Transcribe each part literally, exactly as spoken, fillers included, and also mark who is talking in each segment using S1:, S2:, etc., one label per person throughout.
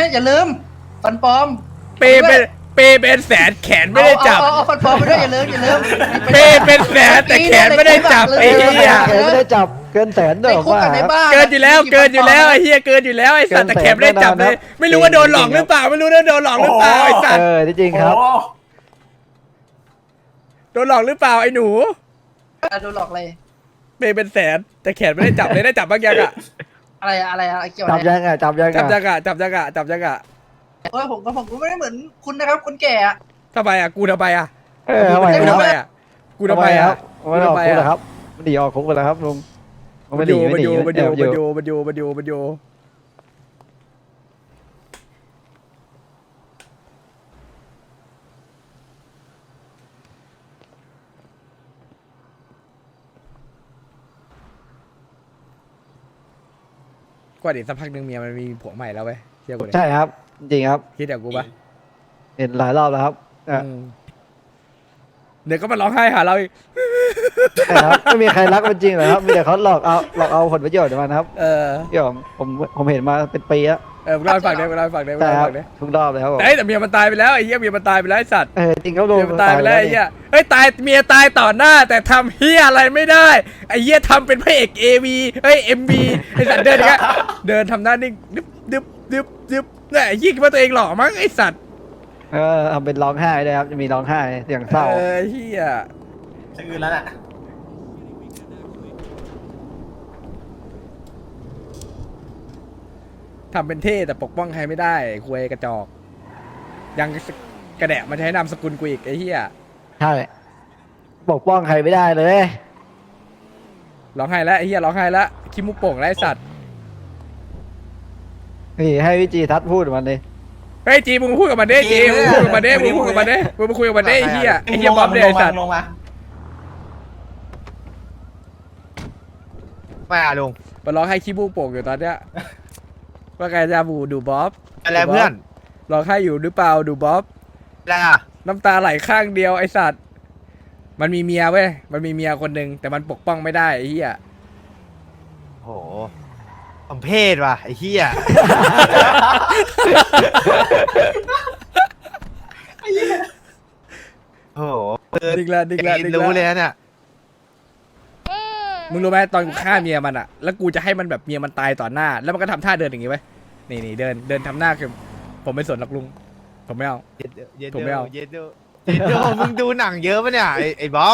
S1: อย่าลืมฟันปลอม
S2: เปเป็นเปเป็นแสนแขนไม่ได้จับ
S1: เอาเอาฟันปลอมไปด้วยอย่าลืมอย่าลืม
S2: เปเป็นแสนแต่แขนไม่ได้จับไอ้เหี้ย
S3: ไม่ได้จับเกินแสนเด้
S1: ใน
S3: อ
S1: คุก
S3: ว่า
S1: กับในบ้าน
S2: เกินอยู่แล้วเกินอยู่แล้วไอ้เหี้ยเกินอยู่แล้วไอ้สัตว์แต่แขนไม่ได้จับเลยไม่รู้ว่าโดนหลอกหรือเปล่าไม่รู้ว่าโดนหลอกหรือเปล่าไอ้สัต
S3: เอ
S2: ว์
S3: อจริงครับ
S2: โดนหลอกหรือเปล่าไอ้หนู
S1: โดนหลอกเลย
S2: เปเป็นแสนแต่แขนไม่ได้จับเลยได้จับบ้างยังอะ
S1: อะไรอะอะไรอะเกี่ยว
S3: จั
S1: อะ
S3: บ
S1: ไร
S3: ยังไงจับยังไง
S2: จับยังอะจับยังอะจับยังอะ
S1: เออผมก็ผมก็ไม่ได้เหมือนคุณนะครับคนแก่อะ
S2: ทำไมอะกูทำไมอะ
S3: เออทำไม
S2: กู
S3: ครั
S2: ทำ
S3: บ
S2: ไมอะกูทำไมอะ
S3: ไม่ออกคุกเหรอครับมันหนีออกคุกไปแล้วครับลุง
S2: มัน
S3: ไม่
S2: อ
S3: หนี
S2: ยู่
S3: ไม่
S2: มัน
S3: หนี
S2: อยู่มัน
S3: แอ
S2: อยู่
S3: บ
S2: มันอยู่มันอยู่มันอยู่มันอยู่กว่าเดี๋ยวสักพักหนึ่งเมียมันมีผัวใหม่แล้วเว้ยเชื่อกูเลย
S3: ใช่ครับ จริงครับ
S2: คิดอย่างกูปะ
S3: เห็นหลายรอบแล้วครับอ่ะ
S2: อืมเดี๋ยวก็มาร้องไห้หาเราอีก
S3: ใช่ครับไม่มีใครรักมันจริงหรอกครับมีแต่เขาหลอกเอาหลอกเอาผลประโยชน์มันครับ
S2: เออ
S3: พี่ผมผมผมเห็นมาเป็นปีแล้ว
S2: เออมึงเล่าให้ฟังได้มึงเล่าให้ฟังได้มึง
S3: ใช่
S2: เล่า
S3: ค
S2: ให้
S3: รับ
S2: ฟังได้
S3: ทุกรอบเลยครับผม
S2: แต่แต่เมียมันตายไปแล้วไอ้เหี้ยเมียมันตายไปแล้วไอ้สัตว์
S3: เออจริงครับลุง
S2: เมียมันตายไปแล้วไอ้เหี้ยเฮ้ยตายเมียตายต่อหน้า แต่ทำเหี้ยอะไรไม่ได้ไอ้เหี้ยทำเป็นพระเอกเอวีเฮ้ยเอ็มบีไอ้สัตว์เดินอย่างเงี้ยเดินทำหน้านิ่งดึบดึบดึบดึบเนี่ยไอ้เหี้ยคิดว่าตัวเองหล่อมั้งไอ้สัตว์
S3: เออทำเป็นร้องไห้เลยครับจะมีร้องไห้เสียงเศร้า
S2: เออเหี้ย
S4: ชื่อแล้วน่ะ
S2: ทำเป็นเท่แต่ปกป้องใครไม่ได้คุยกระจอก ยังกระแดะมาใช้นามสกุลกูอีกไอ้เหี้ย
S3: ใช่ปกป้องใครไม่ได้เลย
S2: ร้องไห้แล้วไอ้เหี้ยร้องไห้แล้วคิมุกโป่งแล้วไอ้สัตว์
S3: นี่ให้วิจีทัศน์พูดมันเลย
S2: เฮ้ยจีมึงพูดกับมันดิจีมึงพูดกับมันดิมึงพูดกับมันดิมึงมาคุยกับมันดิไอ้เหี้ยไอ้เหี้ยบ๊อบเนี่ยไอ้สัตว์
S4: ลงมา
S5: ไม่อะลุง
S2: มันร้องไห้ขี้มูกโป่งอยู่ตอนเนี้ยว่าไงจะบูดูบ๊อบ
S5: อะไรเพื่อน
S2: ร้องไห้อยู่หรือเปล่าดูบ๊อบ
S5: อะไรอ่ะ
S2: น้ำตาไหลข้างเดียวไอ้สัตว์มันมีเมียเว้ยมันมีเมียคนหนึ่งแต่มันปกป้องไม่ได้ไอ้เหี้ย
S5: โหผมเพศว่ะไอ้เหี้ย โอ้โห
S2: ดิกละดิกละดิก
S5: รู้เลย
S2: ละ
S5: นะเนี่ย
S2: มึงรู้ไหมตอนกูฆ่าเมียมันอะแล้วกูจะให้มันแบบเมียมันตายต่อหน้า แล้วมันก็ทำท่าเดินอย่างงี้ไว้ยนี่นี่เดินเดินทำหน้าคือผมไม่สนหรอกลุงผมไม่เอา
S5: เย็ดเด้อเย็ด
S2: ผมไม่
S5: เด้อ
S2: เอา
S5: เย็ดเด้อเย็ดเด้อมึงดูหนังเยอะปะเนี่ยไอ้ไอ้บ๊อบ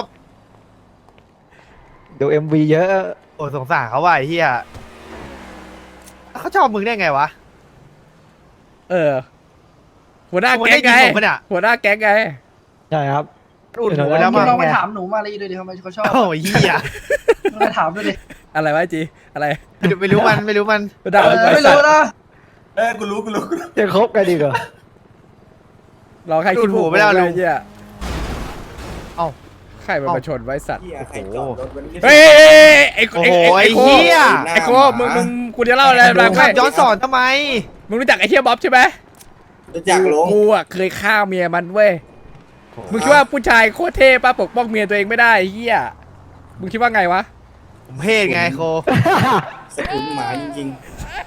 S3: ดูเอ็มวีเยอะ
S5: โอ้สงสารเขาว่ะไอ้เหี้ยเขาชอบมึงได้ไงวะ
S2: เออ หัวหน้า
S5: มึง
S2: แก๊งไง
S5: ได้ยินผมปะเนี่ย
S2: หัวหน้าแก๊งไง
S3: ใช่ครับ
S5: อุ่นหู
S3: เออ
S5: แล้ว
S1: คุ
S5: มั้
S1: ณ
S5: ง
S1: ลองไปถามหนูมาเลยดูดิทำไมเขาชอบ
S5: โอ้ยเหี้ย
S1: ลองไปถามดูดิ
S2: อะไรวะจีอะไร
S5: ไม่รู้ไม่รู้มันไม่รู้มัน
S2: หัวหน้า
S1: เออ
S2: ไอ้
S1: ไม่
S2: สัต
S1: รู้
S2: ว์
S1: นะ
S4: เออกูรู้กูรู้กูรู้
S3: จะคบกันดีกว่า
S2: ร้องไห้ขี้มูก
S5: ดูดหูไม่ได้ลุง
S2: ไอ้เหี้ย
S5: เอ้า
S2: ใครมันมาชนไว้สัตว์
S4: เหี้ยใครจอดรถวันนี้
S2: เฮ้ยไอ้
S5: โอ้โห
S2: ไอ้
S5: ไอ้
S2: โค
S5: เหี้ย
S2: ไอ้โคมึงมึงกูจะเล่าอะไร
S5: ลุ
S2: บ้าง
S5: ง
S2: ไหม
S5: ขับย้อนสอนทำไม
S2: มึงรู้จักไอ้เฮียบ๊อบใช่ไหม
S4: รู้จักลง
S2: กูอ่ะเคยฆ่าเมียมันเว้ยมึงคิดว่าผู้ชายโคตรเท่ป้าปกป้องเมียตัวเองไม่ได้ไอ้เฮียมึงคิดว่าไงวะ
S5: ผมเพศไงโค
S4: สกุลหมาจริง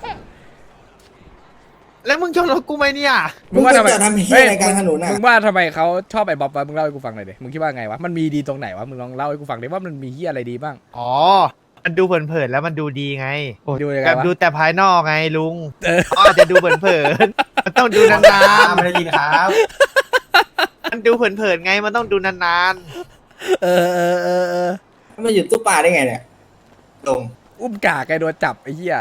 S5: แล้วมึงชนรถกูไหมเนี่ย
S4: มึงจะทำเหี้ยอะไรกลางถนนน่ะ
S2: มึงว่าทำไมเขาชอบไอ้บ๊อบวะมึงเล่าให้กูฟังหน่อยดิมึงคิดว่าไงวะมันมีดีตรงไหนวะมึงลองเล่าให้กูฟังดิว่ามันมีเฮียอะไรดีบ้าง
S5: อ๋อ มันดูเผินๆแล้วมันดูดีไง
S2: ดูยังไง
S5: แบบ
S2: วะ
S5: ดูแต่ภายนอกไงลุง
S2: เออ
S5: อ๋ออาจจะดูเผินๆ มันต้องดู
S4: ๆ
S5: นาน
S4: ไม่ได้ยินครับ
S5: ๆ มันดูเผินๆไง มันต้องดูนาน
S2: เออเออเออเออ
S4: มาอยู่ตู้ปลาได้ไงเนี่ยลง
S2: อุ้มกากไอ้โดนจับไอ้เฮีย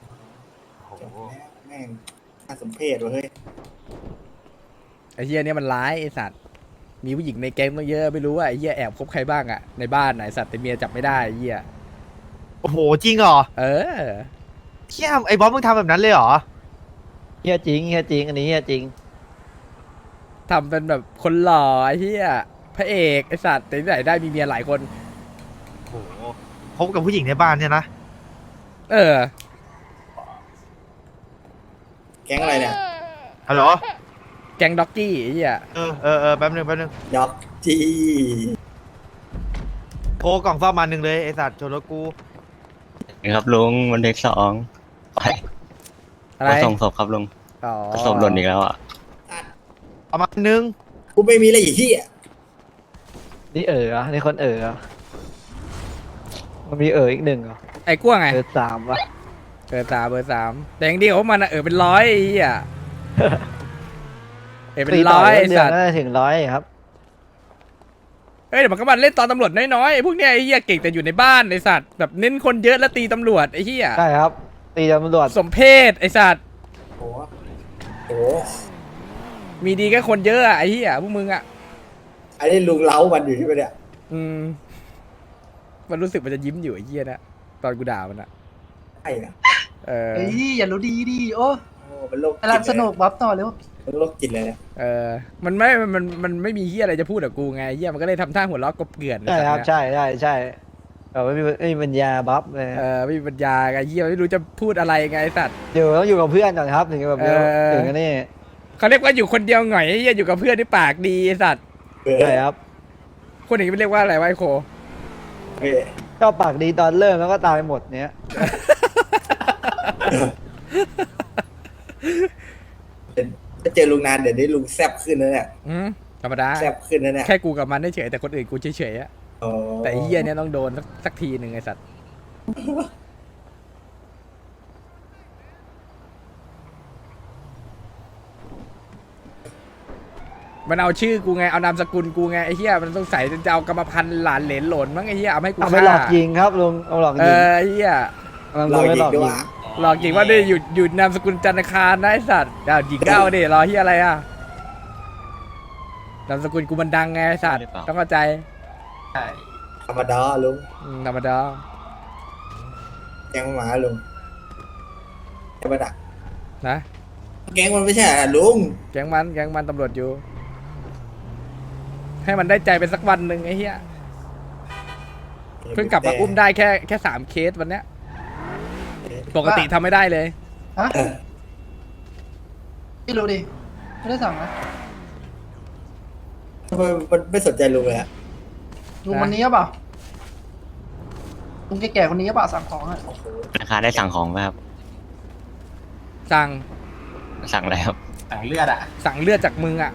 S4: แม่งน่าสมเพชว่ะเฮ้ย
S2: ไอ้เฮียเนี่ยมันร้ายไอ้สัตว์มีผู้หญิงในแก๊งตั้งเยอะไม่รู้ว่าไอ้เฮียแอบคบใครบ้างอะในบ้านไหนสัตว์แต่เมียจับไม่ได้ไอ้เฮีย
S5: ๆ โอ้โห จริงเหรอ
S2: เออ
S5: เชี่ยไอ้บ๊อบมึงทำแบบนั้นเลยเหรอ
S3: เฮียจริงเฮียจริงอันนี้เฮียจริง
S2: ทำเป็นแบบคนหล่อไอ้เหี้ยพระเอกไอ้สัตว์แต่ที่ไหนได้มีเมียหลายคน
S5: โอ้โหคบกับผู้หญิงในบ้านเนี่ยนะ
S2: เออ
S4: แก๊งอะไรเนี่ย
S5: ฮัลโหล
S2: แก๊งด็อกกี้ไอ้เหี้ย
S5: เออเออเออแป๊บนึงแป๊บนึง
S4: ด็อกจี
S5: โทรกล่องซ่อมมาหนึ่งเลยไอ้สัตว์ชนรถกู
S6: ครับลุงวันเด็กสองไป
S2: อะไร
S6: ไปส่งศพครับลุง
S2: เออ๋อ
S6: ศพหล่นอีกแล้วอ่ะ
S5: ประมาณนึง
S4: กูไม่มีอะไรอีกที่อ่ะ
S3: นี่เอ๋อเหรอนี่คนเอ๋อเหรอมันมีเอ๋ออีกหนึ่งเหรอ
S2: ไอ้กล้วยไง
S3: เออสามวะ
S2: เบอร์สามเบอร์สามแต่อย่างเดียวมันอะเออเป็นร้อยไอ้เหี้ยเออเป็นร้อยไอ้
S3: เดีย
S2: สั
S3: ว
S2: ตว์
S3: น่าจะถึงร้อยครับ
S2: เอ้ยเดี๋ยวมันก็มาเล่นตอนตำรวจน้อยๆไอ้พวกเนี้ยไอ้เหี้ยเก่งแต่อยู่ในบ้านไอ้สัตว์แบบเน้นคนเยอะแล้วตีตำรวจไอ้เหี้ย
S3: ใช่ครับ ตีตำรวจ
S2: สมเพศไอ้สัตว์
S4: โอ้โหโอ้โห
S2: มีดีแค่คนเยอะอะไอ้เหี้ยพวกมึงอะ
S4: อันนี้ลุงเล้ามันอยู่ใช่ไหมเนี่ย
S2: อืมมันรู้สึกมันจะยิ้มอยู่ไอ้เหี้ยนะตอนกูด่ามันอะ
S4: ใช่อะ
S2: เออ
S1: เฮ้ยอย่ารู้ดีดิโอ้
S4: โอ้เป็นโรคจิต
S1: กำลังสนุกบัฟต่อเร็ว
S4: เป็นโรคจิตเลยเนี่ย
S2: เออมันไม่มันมันไม่มีเหี้ยอะไรจะพูดกับกูไงไอ้เหี้ยมันก็เลยทำท่าหัวเราะกบเกลื่อน
S3: ใช่ครับ
S2: ไอ้สัตว์เนี่ย
S3: ใช่ใช่ใช่เออไม่มีไม่มีปัญญาบัฟเลย
S2: เออไม่มีปัญญาไงเหี้ยไม่รู้จะพูดอะไรไงไอ้สัตว์
S3: เดี๋ยวต้องอยู่กับเพื่อนก่อนครับ ถึงจะแบบ
S2: เออ
S3: ถึงอันนี้
S2: เขาเรียกว่าอยู่คนเดียวหน่อยไอ้เหี้ยอยู่กับเพื่อนที่ปากดีไอ้สัตว์
S4: เออ
S3: ใช่ครับ
S2: คนอย่างนี้มันเรียกว่าอะไรวะไอ้โค
S4: เออ
S3: ก็ปากดีตอนเริ่มแล้วก็ตายหมดเนี้ย
S4: ถ้าเจอลุงนานเดี๋ยวนี้ลุงแซบขึ้นนะเนี่ย
S2: อืมธรรมดา
S4: แซบขึ้นนะเนี่ย
S2: แค่กูกับมันเฉยๆแต่คนอื่นกูเฉยๆอะ
S4: อ๋อ
S2: แต่ไอ้เหี้ยเนี่ยต้องโดนสักสักทีหนึ่งไอ้สัตว์มันเอาชื่อกูไงเอานามสกุลกูไงไอ้เหี้ยมันต้องใส่จะเอากรรมพันธุ์หลานเหลนหล่นมั้งไอ้เหี้ยเอามาให้กู
S3: เอาไป
S2: ฆ่า
S3: หลอกยิงครับลุงเอาหลอก
S2: เอ
S3: ยิง
S2: อไอ้เหี้ย
S3: กำลัง
S4: เรา
S3: ลุงไม่
S4: หยิ
S3: หล
S4: ก
S3: อก
S4: ด้วย
S3: ยิง
S4: ว่า
S2: หลอกจริงว่าได้หยุดหยุดนามสกุลจันทคารนะไอ้สัตว์ดาวหญิงเก้าดิรอเหี้ยอะไรอะนามสกุลกูมันดังไงไอ้สัตว์ต้องเข้าใจ
S4: ธรรมดาลุง
S2: อืมธรรมดา
S4: แกงหมาลุงใช่ปะน่ะ
S2: นะ
S4: แกงมันไม่ใช่อ่ะลุง
S2: แก๊งมันแก๊งมันตำรวจอยู่ ให้มันได้ใจเป็นสักวันหนึ่งไอ้เหี้ยเพิ่งกลับมาอุ้มได้แค่แค่สามเคสวันเนี้ยปกติทำไม่ได้เลย
S1: ฮะ
S4: เออ
S1: ไม่รู้ดิไม่ได้สั่งนะ
S4: ทำไมมันไม่สนใจลุงเลยอะ
S1: ลุงคนนี้หรือเปล่าลุงแก่ๆคนนี้หรือเปล่าสั่งของอ่ะ
S6: ราคาได้สั่งของไหมครับ
S2: สั่ง
S6: สั่งอะไรครับ
S2: สั่งเลือดจากมึงอ่ะ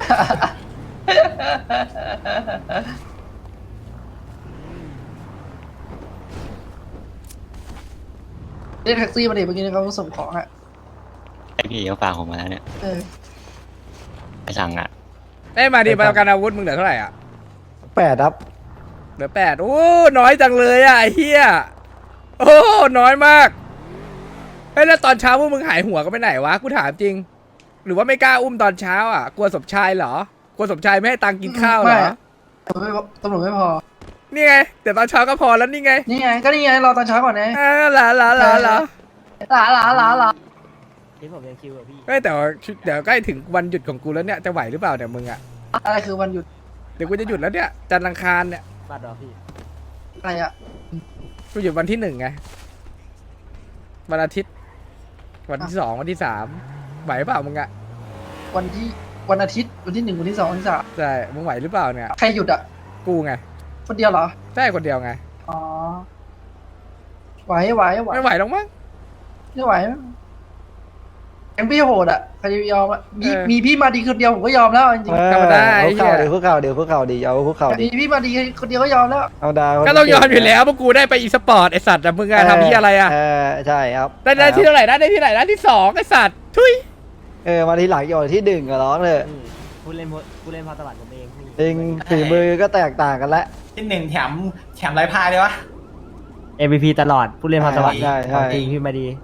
S1: เรียกแท็กซี่มาดิเมื่อกี้เขาส่งของอ่ะ
S6: ไอพี่เขาฝากผมมาแล้วเนี่ย
S1: เออ
S6: ไปสั่งอ่ะ
S2: เอ้ยมาดิประกันอาวุธมึงเหลือเท่าไหร่อ่ะ
S3: แปดครับ
S2: เหลือแปดโอ้น้อยจังเลยอ่ะไอ้เหี้ยโอ้น้อยมากเฮ้ยแล้วตอนเช้าพวกมึงหายหัวกันไปไหนวะกูถามจริง หรือว่าไม่กล้าอุ้มตอนเช้าอ่ะกลัวสมชายเหรอกลัวสมชายไม่ให้ตังค์กินข้าวเหร
S1: ไม่
S2: อ
S1: ตำรวจไม่พอตำรวจไม่พอ
S2: นี่ไงแต่ตอนเช้าก็พอแล้วนี่ไง
S1: นี่ไงก็นี่ไงรอตอนเช้าก่อนไง
S2: อ่าหลาหลาหลาหลา
S1: หลาหลาหลาหลา
S7: ที่ผมยังคิวกับพี่
S2: เฮ้ยแต่ว่าเดี๋ยวใกล้ถึงวันหยุดของกูแล้วเนี่ยจะไหวหรือเปล่าเนี่ยมึงอ่ะ
S1: อะไรคือวันหยุด
S2: เดี๋ยวกูจะหยุดแล้วเนี่ยจันทร์อังคารเนี่ย
S7: บัตรเหรอพี่
S1: อะไรอ่ะ
S2: กูหยุดวันที่หนึ่งไงวันอาทิตย์ วันที่สองวันที่สามไหวเปล่ามึงอ่ะ
S1: วันที่วันอาทิตย์วันที่หนึ่งวันที่สองวันที่สาม
S2: ใช่มึงไหวหรือเปล่าเนี่ย
S1: ใครหยุดอ่ะ
S2: กูไง
S1: คนเดียวเหรอ
S2: ใช่คนเดียวไง
S1: อ๋อไหวไหวไหว
S2: ไม่ไหวหรอกมั้ง
S1: ไม่ไหวแกงพี่โหดอ่ะใครจะยอมอ่ะมี
S2: เออ
S1: มีพี่มาดีคนเดียวผมก็ยอมแล้วจริง
S3: เออ
S2: ธรรมดาไอ้
S3: คุก
S2: เหี้
S3: เข่าย เดี๋ยวคุกเข่าเดี๋ยวคุกเข่าดีเอาคุกเข่า
S1: ๆ
S3: ดี
S1: มีพี่มาดีคนเดียวก็ยอมแล้ว
S3: เอาดาว
S2: ก็ต้องยอมอยู่แล้วเพราะกูได้ไปอีสปอร์ตไอสัตว์แต่มึงอะทำที่อะไรอะ
S3: เออใช่ครับ
S2: ได้ได้ที่เท่าไหร่นะได้ที่ไหนนะที่สองไอสัตว์ทุย
S3: เออมาทีหลังอยู่ที่ดึงก็ร้องเลย
S7: พี่ผู้เล่นผู้เล่นพอตลาดผมเองพี่
S3: จริงฝีมือก็แตกต่างกันแล้ว
S8: ที่หนึ่งแถมแถมไรพายเลยวะ
S7: เอ็ม วี พี ตลอดผู้เล่นพอตลาด
S3: ใช่ใช่
S7: ของจริงพี่มาดี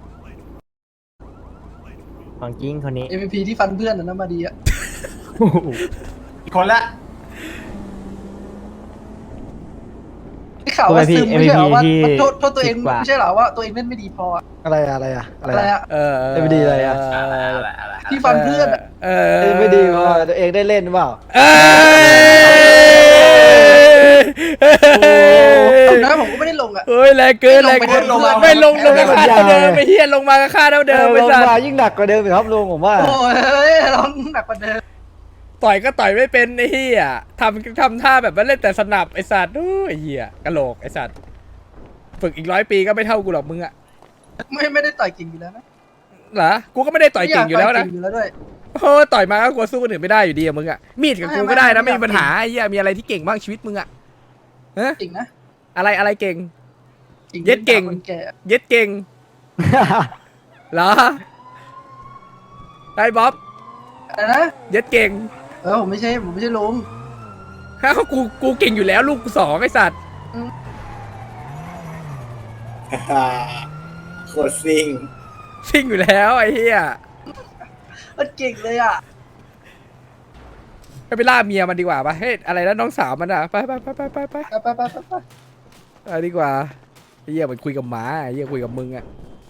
S7: ของจริงคนนี้
S1: เอ็มพีที่ฟันเพื่อนน่ะนะมาดีอ่ะ
S8: อีกคนละ
S1: ได้ข่าวว่าซึมไม่ใช่เหรอว่า
S7: เอ็ม วี พี
S1: มันโทษโทษตัวเอง
S7: สิบกว่า
S1: ไม่ใช่เหรอว่าตัวเองเล่นไม่ดีพออะ
S3: อะไรอะอะไรอะอะไร
S1: อะไร
S3: อะ
S1: อ่ะ
S2: เออ
S3: เอ็มดีอะไรอะ
S1: ที่ฟันเพื่อนอะ
S2: เออ
S3: เอ้ยไม่ดีพอตัวเองได้เล่นเปล่า
S2: เอ้ย
S1: เอานะผมก็ไม่ได้ลงอ่ะ
S2: เฮ้ยแรงเกินแรงเกินไม่ลงลงค่าเท่าเดิมไม่เฮียลงมาก็ค่าเท่าเดิม
S3: เอ
S2: ไป
S3: อลง
S2: สัต
S3: มา
S2: ว์
S3: ยิ่งหนักกว่าเดิมอีกครับลุงผมว่า
S1: โอ้ยร้องหนักกว่าเดิม
S2: ต่อยก็ต่อยไม่เป็นไอ้เฮียทำทำท่าแบบว่าเล่นแต่สนับไอสัตว์โอ้ยไอ้เฮียกะโหลกไอสัตว์ฝึกอีกร้อยปีก็ไม่เท่ากูหรอกมึงอะ
S1: ไม่ไม่ได้ต่อยเก่งอยู่แล้วนะ
S2: เหรอกูก็ไม่ได้ต่อยเก่งอยู่แล้วนะ
S1: ต่เก่งอยู่แล้วด้วย
S2: โอ้ต่อยมาก็กลัวสู้คนอื่นไม่ได้อยู่ดีอะมึงอะมีดกับกูก็ได้นะไม่มีปัญหาไอ้เหี้ยมีอะไรที่เก่งบ้างชีวิตมึงอะฮะ
S1: จริงนะ
S2: อะไรอะไรเก่ง
S1: จริ
S2: เย็ดเก่ง
S1: คนแก่
S2: เย็ดเก่งเหรอไอ้บ๊อบ
S1: อะไรนะ
S2: เย็ดเก่ง
S1: เออผมไม่ใช่ผมไม่ใช่ลุง
S2: ฮะกูกูเก่งอยู่แล้วลูกกูสองไอ้สัตว์
S4: โคตรซิ่ง
S2: ซิ่งอยู่แล้วไอ้เหี้ย
S1: มันเก่งเลยอ่ะ
S2: ไปไปล่าเมียมันดีกว่าปะเฮ้ยอะไรนะน้องสาวมันอะไปไปไปไปไปไป
S1: ไปไปไปไปไป
S2: ไปดีกว่าไอ้เหี้ยมันคุยกับหมาไอ้เหี้ยคุยกับมึงอะ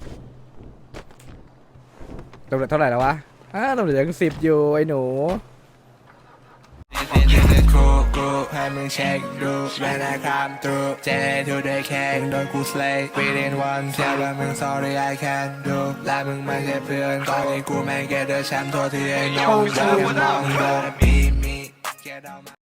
S2: ตำรวจเท่าไหร่แล้ววะอ้าตำรวจยังสิบอยู่ไอ้หนู
S9: ให้มึงเช็คดูเวลาคำตรูเจทูได้แค่โดนกูสเลย์ within one เชื่อว่ามึง sorry I can do และมึงไม่ใช่เพื่อนตอนนี้กูแม่งแกเดอร์แชมป์โทษที่ไอ้น้องเดินมองโดนบีมี